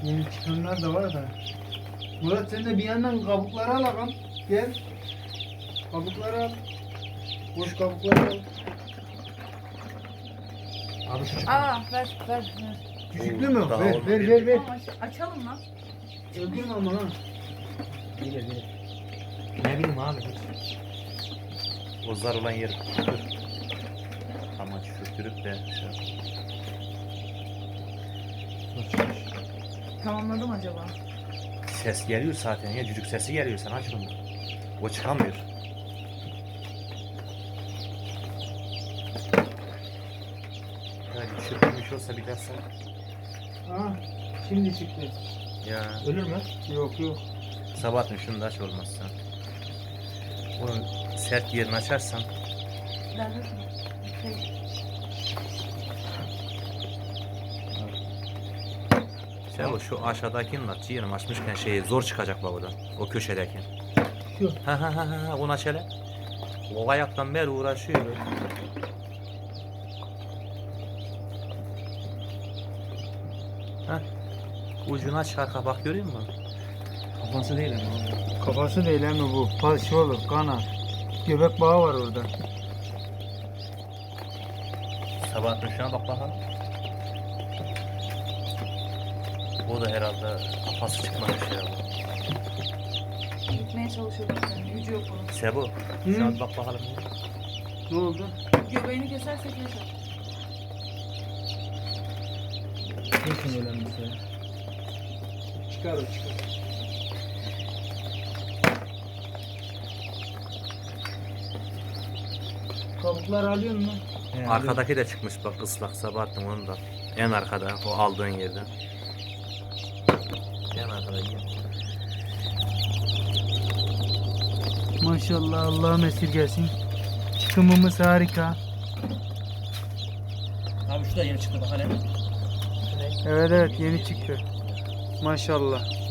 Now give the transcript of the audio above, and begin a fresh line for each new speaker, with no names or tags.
Yeni çıkanlar da var da. Murat sen de bir yandan kabukları al ağam. Gel. Kabukları al. Boş kabukları al.
Abi şu
Aa ver.
Küçüklü mü?
Daha
Ver
olmadı.
ver.
Tamam açalım lan.
Öldürme ama ha.
Bilir. Ne bileyim abi. O zar olan yeri dur. Ama çürütürüp de şey yap.
Tamamladım acaba?
Ses geliyor zaten ya, cücük sesi geliyor, sen aç bunu. O çıkamıyor. Hadi çırpılmış olsa bir dersen.
Ha, şimdi çıktı.
Ya
Ölür mü?
Yok.
Sabahattin şunu da aç olmazsa. Onun sert yerini açarsan
Ver.
Sebo şu aşağıdakinin aç, ciğerim açmışken zor çıkacak babadan. O köşedeki.
Şu.
Ha onu aç hele. O ayaktan beri uğraşıyor böyle. Ha. Ucunu aç, arka bak, görüyor musun?
Kafası değil ama.
Kafası değil mi bu? Şey olur, kanat. Göbek bağı var orada.
Sabahattin şuna bak bakalım. O da herhalde kafası çıkmamış ya.
Gitmeye çalışıyorum yani. Gücü yok onun.
Sebo, şuna bir bak bakalım.
Ne oldu?
Göbeğini kesersek yaşar.
Kesin ölen bir şey.
Çıkar. Kabukları alıyor musun?
Arkadaki de çıkmış bak, ıslak Sabahattin, onu da. En arkada, o aldığın yerden. En arkada gel.
Maşallah, Allah'ım esirgesin. Çıkımımız harika.
Abi şu da yeni çıktı bak hele.
Evet yeni çıktı. Maşallah.